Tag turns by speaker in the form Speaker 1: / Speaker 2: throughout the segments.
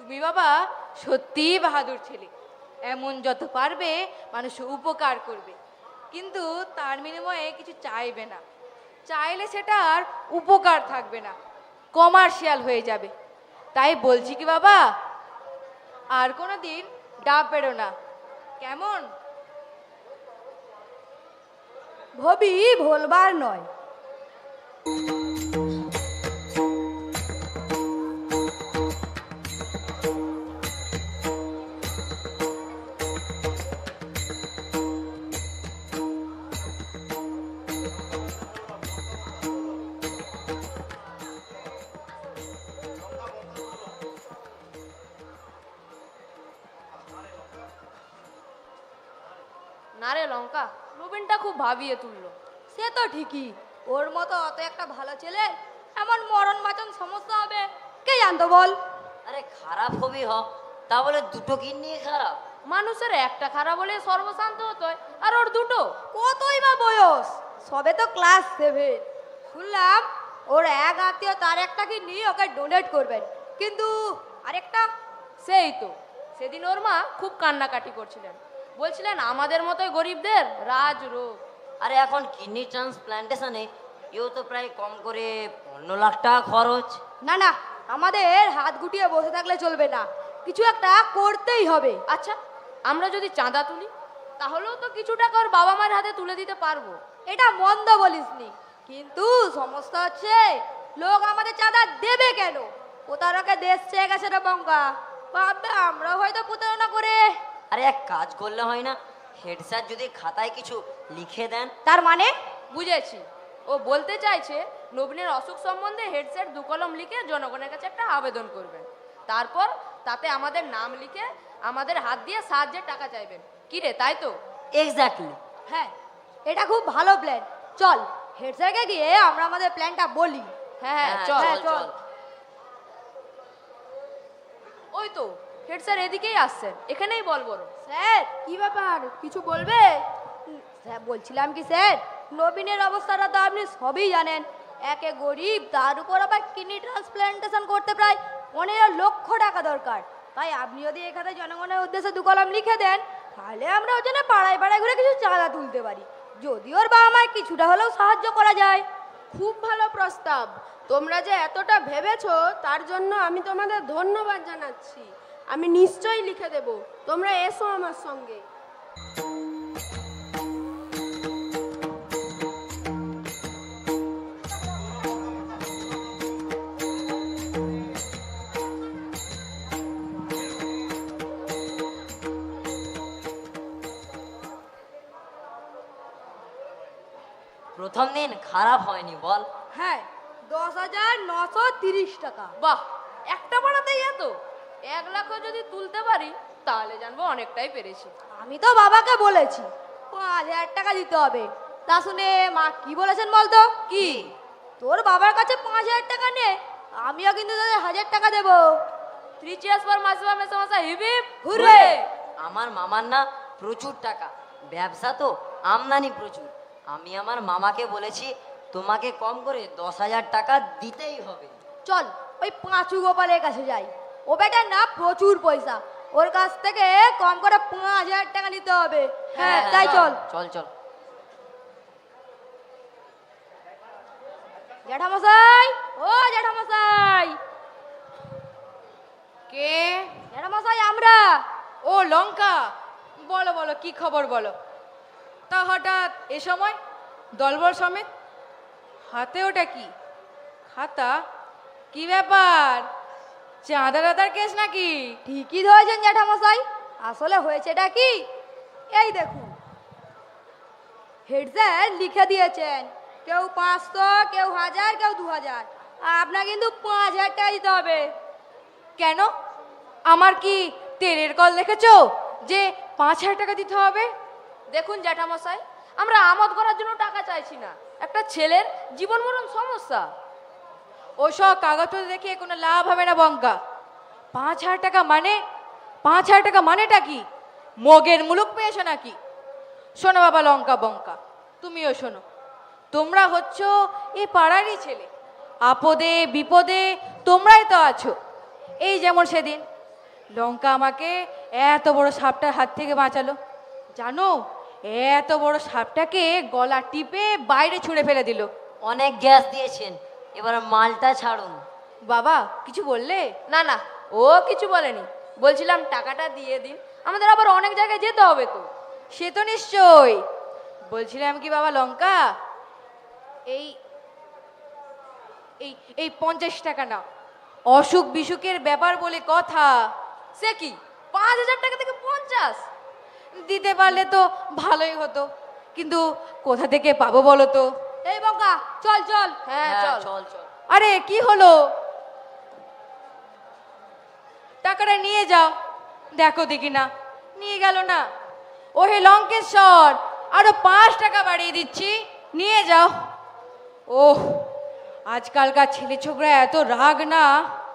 Speaker 1: তুমি বাবা সত্যিই বাহাদুর ছেলে। এমন যত পারবে মানুষ উপকার করবে, কিন্তু তার বিনিময়ে কিছু চাইবে না। চাইলে সেটা আর উপকার থাকবে না, কমার্শিয়াল হয়ে যাবে। তাই বলছি কি বাবা, আর কোনো দিন ডাব পেড়ো না, কেমন?
Speaker 2: ভবি ভোলবার নয়।
Speaker 1: না রে লঙ্কা, নবীনটা খুব ভাবিয়ে তুললো।
Speaker 2: সে তো ঠিকই, ওর মতো অত একটা ভালো ছেলে এমন মরণ বাঁচন সমস্যা হবে কে জানতো বল?
Speaker 3: আরে খারাপ হবি হ, তা বলে দুটো কিডনি খারাপ?
Speaker 1: মানুষের একটা খারাপ হলে সর্বশান্ত হতো, আর ওর দুটো।
Speaker 2: কতই বা বয়স, সবে তো ক্লাস 7। শুনলাম ওর এক আত্মীয় তার একটা কি নিয়ে ওকে ডোনেট করবেন, কিন্তু আরেকটা।
Speaker 1: সেই তো, সেদিন ওর মা খুব কান্নাকাটি করছিলেন, বলছিলেন আমাদের মতোই গরিবদের রাজ রোগ।
Speaker 3: আরে এখন কিডনি ট্রান্সপ্লান্টেশনে এও তো প্রায় কম করে 15 লাখ টাকা খরচ।
Speaker 2: না না, আমাদের হাত গুটিয়ে বসে থাকলে চলবে না, কিছু একটা করতেই হবে।
Speaker 1: আচ্ছা, আমরা যদি চাঁদা তুলি তাহলেও তো কিছু টাকা ওর বাবা মার হাতে তুলে দিতে পারবো।
Speaker 2: এটা মন্দ বলিসনি, কিন্তু সমস্যা হচ্ছে লোক আমাদের চাঁদা দেবে কেন? প্রতারকে দেশ চেয়ে গেছে রে বঙ্গা, ভাববে আমরা হয়তো প্রতারণা করে।
Speaker 3: আরে এক কাজ করলে হয় না, হেড স্যার যদি খাতায় কিছু লিখে দেন।
Speaker 2: তার মানে?
Speaker 1: বুঝেছি, ও বলতে চাইছে নবীনের অসুখ সম্বন্ধে হেড স্যার 2 কলম লিখে জনগণের কাছে একটা আবেদন করবেন, তারপর তাতে আমাদের নাম লিখে আমাদের হাত দিয়ে সাহায্যের টাকা চাইবেন। কি রে, তাই তো?
Speaker 3: এক্স্যাক্টলি।
Speaker 2: হ্যাঁ, এটা খুব ভালো প্ল্যান। চল হেড স্যারকে গিয়ে আমরা আমাদের প্ল্যানটা বলি।
Speaker 1: হ্যাঁ হ্যাঁ, চল চল। ওই তো হেড স্যার এদিকেই আসছেন, এখানেই বল বড়।
Speaker 2: স্যার কি ব্যাপার, কিছু বলবে? স্যার বলছিলাম কি স্যার, নবীনের অবস্থাটা তো আপনি সবই জানেন। একে গরিব, তার উপর আবার কিডনি ট্রান্সপ্লান্টেশন করতে প্রায় 15 লক্ষ টাকা দরকার। তাই আপনি যদি এখানে জনগণের উদ্দেশ্যে 2 কলম লিখে দেন, তাহলে আমরা ওর জন্য পাড়ায় পাড়ায় ঘুরে কিছু চাঁদা তুলতে পারি, যদি ওর বাবা মায়ের কিছুটা হলেও সাহায্য করা যায়।
Speaker 4: খুব ভালো প্রস্তাব। তোমরা যে এতটা ভেবেছো তার জন্য আমি তোমাদের ধন্যবাদ জানাচ্ছি। আমি নিশ্চয়ই লিখে দেব, তোমরা এসো আমার সঙ্গে।
Speaker 3: প্রথম দিন খারাপ হয়নি বল?
Speaker 2: হ্যাঁ, 10,930 টাকা।
Speaker 1: বাহ, একটা পাড়াতেই এত! 1 লাখও যদি তুলতে পারি তাহলে জানবো অনেকটাই পেরেছি।
Speaker 2: আমি তো বাবাকে বলেছি 5,000 টাকা দিতে হবে। তা শুনে মা কি বলেছেন বলতো?
Speaker 1: কি?
Speaker 2: তোর বাবার কাছে 5,000 টাকা নে, আমিও কিন্তু তোদের 1,000 টাকা দেবো।
Speaker 1: 3 cheers for মাসিমা মেসোমশা, হিপ হিপ
Speaker 2: হুররে!
Speaker 3: আমার মামার না প্রচুর টাকা, ব্যবসা তো, আমদানি প্রচুর। আমি আমার মামাকে বলেছি তোমাকে কম করে 10,000 টাকা দিতেই হবে।
Speaker 2: চল ওই পাঁচু গোপালের কাছে যাই, ও বেটার না প্রচুর পয়সা, ওর কাছ থেকে কম করে 5,000 টাকা নিতে হবে। হ্যাঁ তাই চল।
Speaker 3: চল চল।
Speaker 2: জ্যাঠামশাই, ও জ্যাঠামশাই।
Speaker 1: কে?
Speaker 2: জ্যাঠামশাই আমরা।
Speaker 1: ও লঙ্কা, বলো বলো, কি খবর বলো। তা হঠাৎ এ সময় দলবল সমেত, হাতে ওটা কি? খাতা? কি ব্যাপার, চাঁদা দাদার কেস নাকি?
Speaker 2: ঠিকই ধরেছেন জ্যাঠামশাই, আসলে হয়েছেটা কি এই দেখুন, হেড স্যার লিখে দিয়েছেন, কেউ 500, কেউ 1,000, কেউ 2,000। আপনার কিন্তু 5,000 টাকা দিতে হবে।
Speaker 1: কেন, আমার কি তেলের কল দেখেছো যে 5,000 টাকা দিতে হবে? দেখুন জ্যাঠামশাই, আমরা আমোদ করার জন্য টাকা চাইছি না, একটা ছেলের জীবন মরণ সমস্যা। ওসব কাগজপত্র দেখে কোনো লাভ হবে না বঙ্কা। 5,000 টাকা মানে, 5,000 টাকা মানেটা কি? মগের মুলুক পেয়েছো নাকি? শোনো বাবা লঙ্কা বঙ্কা, তুমিও শোনো, তোমরা হচ্ছ এ পাড়ারই ছেলে, আপদে বিপদে তোমরাই তো আছো। এই যেমন সেদিন লঙ্কা আমাকে এত বড় সাপটার হাত থেকে বাঁচালো। জানো, এত বড় সাপটাকে গলা টিপে বাইরে ছুঁড়ে ফেলে দিল।
Speaker 3: অনেক গ্যাস দিয়েছেন, এবার মালটা ছাড়ুন।
Speaker 1: বাবা কিছু বললে?
Speaker 2: না না, ও কিছু বলেনি। বলছিলাম টাকাটা দিয়ে দিন, আমাদের আবার অনেক জায়গায় যেতে হবে তো।
Speaker 1: সে তো নিশ্চয়। বলছিলাম কি বাবা, লঙ্কা এই এই এই 50 টাকা না, অসুখ বিসুখের ব্যাপার বলে কথা।
Speaker 2: সে কি, 5,000 টাকা থেকে 50?
Speaker 1: দিতে পারলে তো ভালোই হতো, কিন্তু কোথা থেকে পাবো বলো তো?
Speaker 2: এই বঙ্কা, চল চল।
Speaker 3: হ্যাঁ
Speaker 2: চল
Speaker 3: চল চল।
Speaker 1: আরে কি হলো? টাকাটা নিয়ে যাও। দেখো দেখি না, নিয়ে গেল না। ওহে লঙ্কেশ্বর, আরো 5 টাকা বাড়িয়ে দিচ্ছি, নিয়ে যাও। ওহ, আজকালকার ছেলে ছোকরা এত রাগ না।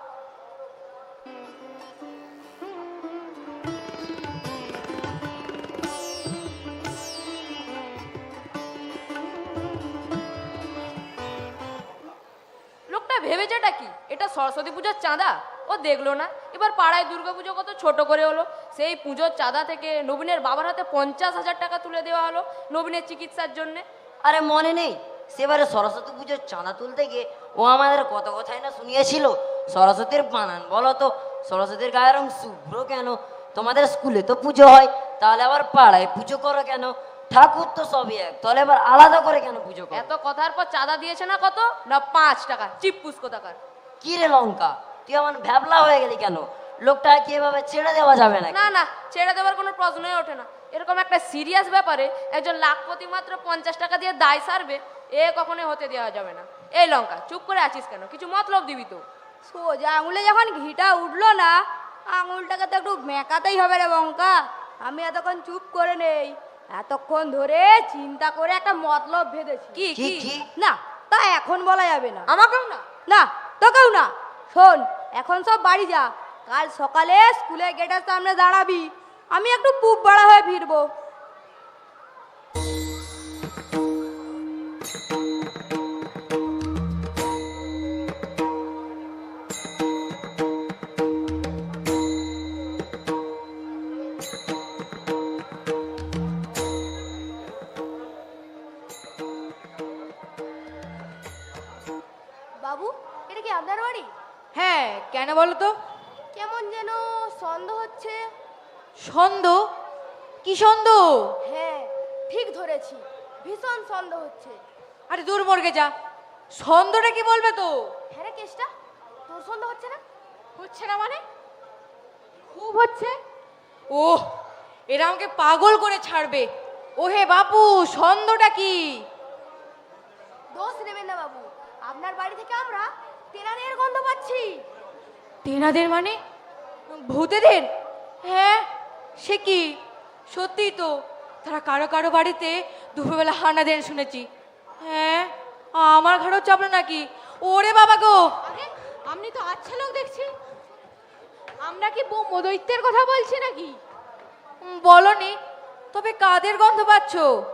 Speaker 2: লোকটা ভেবেছেটা কি, এটা সরস্বতী পুজোর চাঁদা? ও দেখলো না এবার পাড়ায় দুর্গাপুজো কত ছোট করে হলো, সেই পুজোর চাঁদা থেকে নবীনের বাবার হাতে 50,000 টাকা তুলে দেওয়া হলো নবীনের চিকিৎসার জন্যে।
Speaker 3: আরে মনে নেই সেবারে সরস্বতী পুজোর চাঁদা তুলতে গিয়ে ও আমাদের কত কথাই না শুনিয়েছিল। সরস্বতীর বানান বলো তো, সরস্বতীর গায়ের রং শুভ্র কেন? তোমাদের স্কুলে তো পুজো হয়, তাহলে আবার পাড়ায় পুজো করো কেন? ঠাকুর তো সবই এক, তাহলে আবার আলাদা করে কেন পুজো করো?
Speaker 2: এত কথার পর চাঁদা দিয়েছে না কত না, 5 টাকা। চিপ্পুস কোথাকার।
Speaker 3: কি রে লঙ্কা, তুই আমার ভ্যাবলা হয়ে গেলি কেন? লোকটা কি এভাবে ছেড়ে দেওয়া যাবে না?
Speaker 2: না না, ছেড়ে দেওয়ার কোনো প্রশ্নই ওঠে না। এরকম একটা সিরিয়াস ব্যাপারে একজন লাখপতি মাত্র 50 টাকা দিয়ে দায় সারবে, এ কখনোই হতে দেওয়া যাবে না। এই লঙ্কা, চুপ করে আছিস কেন? কিছু মতলব দিবি তো।
Speaker 5: সোজা আঙুলে যখন ঘিটা উঠলো না, আঙুলটাকে তো একটু মেকাতেই হবে রে বঙ্কা। আমি এতক্ষণ চুপ করে নেই, এতক্ষণ ধরে চিন্তা করে একটা মতলব ভেবেছি।
Speaker 2: কি
Speaker 3: কি
Speaker 2: কি?
Speaker 3: কি?
Speaker 5: না, তা এখন বলা যাবে না।
Speaker 2: আমাকেও না।
Speaker 5: না, তোকেও না। শোন, এখন সব বাড়ি যা, কাল সকালে স্কুলের গেটের সামনে দাঁড়াবি, আমি একটু পুব বাড়া হয়ে ফিরবো।
Speaker 2: বাবু, এটা কি আপনার বাড়ি?
Speaker 1: হ্যাঁ, কেন বলো তো?
Speaker 2: কেমন যেন সন্দেহ হচ্ছে।
Speaker 1: সন্দেহ? কি সন্দেহ?
Speaker 2: হ্যাঁ, ঠিক ধরেছি, ভীষণ সন্দেহ হচ্ছে।
Speaker 1: আরে দূর মর্গে যা, সন্দেহটা কি বলবে তো?
Speaker 2: হ্যাঁ রে কেষ্টা, তোর সন্দেহ হচ্ছে না?
Speaker 1: হচ্ছে না মানে? খুব হচ্ছে। ওহ, এরা আমাকে পাগল করে ছাড়বে। ওহে বাপু, সন্দেহটা কি?
Speaker 2: দোষ নেবেন না বাবু, আপনার বাড়ি থেকে আমরা তেনাদের গন্ধ পাচ্ছি।
Speaker 1: তেনাদের মানে? ভূতেদের? হ্যাঁ, সে কি? সত্যি তো, তারা কারো কারো বাড়িতে দুপুরবেলা হানা দেন শুনেছি। হ্যাঁ, আমার ঘরেও চাপলো নাকি? ওরে বাবা গো!
Speaker 5: আরে, আপনি তো আচ্ছা লোক দেখছি। আমরা কি দৈত্যের কথা বলছি নাকি?
Speaker 1: বলনি, তবে কাদের গন্ধ পাচ্ছ?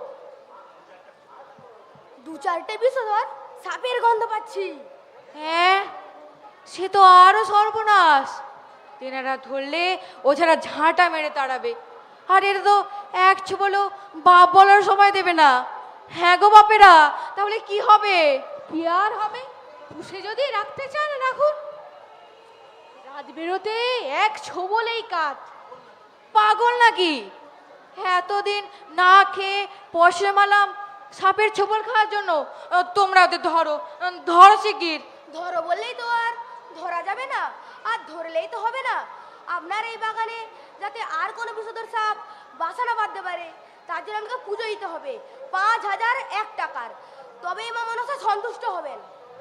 Speaker 2: 2-4টে বিষধর সাপের গন্ধ পাচ্ছি।
Speaker 1: হ্যাঁ, সে তো আরো সর্বনাশ। তেনারা ধরলে ও ছাড়া ঝাঁটা মেরে তাড়াবে। আর এটা তো এক বলো বাপ বলার সময় দেবে না। হ্যাঁ গো বাপেরা, তাহলে কি হবে?
Speaker 5: কি আর হবে? পুষে যদি রাখতে চান রাখুন, রাত বেরোতে এক ছোবলেই কাজ।
Speaker 1: পাগল নাকি? এতদিন না খেয়ে পয়সা মালাম সাপের ছোবল খাওয়ার জন্য। তোমরা ওদের ধরো, ধরো শিগগির।
Speaker 2: ধরো বললেই তো আর ধরা যাবে না, আর ধরলেই তো হবে না। আপনার এই বাগানে যাতে আর কোনো বিষধর সাপ বাসা না বাঁধতে পারে, তার জন্য আমাকে পুজো দিতে হবে 5,001 টাকার, তবেই মা মনসা সন্তুষ্ট হবেন।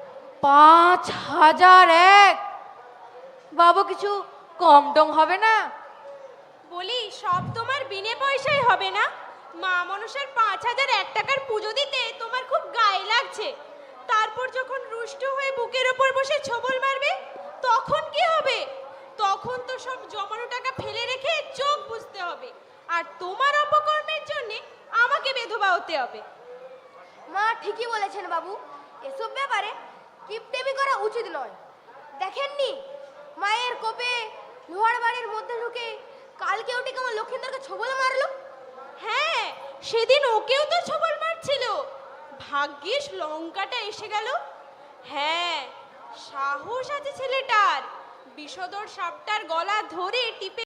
Speaker 1: 5,001? বাবু কিছু কম টম হবে না?
Speaker 5: বলি, সব তোমার বিনে পয়সায় হবে না? মা মনসার 5,001 টাকার পুজো দিতে তোমার খুব গায়ে লাগছে, তারপর যখন রুষ্ট হয়ে বুকের ওপর বসে ছোবল মারবে তখন কি হবে? তখন তো সব জমানো টাকা ফেলে রেখে চোখ বুঝতে হবে, আর তোমার অপকর্মের জন্য আমাকে বেধবা হতে হবে।
Speaker 2: মা ঠিকই বলেছেন বাবু, এসব ব্যাপারে কিপটেমি করা উচিত নয়। দেখেননি মায়ের কোপে লোহার বাড়ির মধ্যে ঢুকে কালকে ওটি আমার লক্ষিন্দরকে ছবলে মারলো?
Speaker 5: হ্যাঁ, সেদিন ওকেও তো ছবল মারছিল, ভাগ্যিস লঙ্কাটা এসে গেল। হ্যাঁ, সাহস আছে ছেলেটার, বিষধর সাপটার গলা ধরে টিপে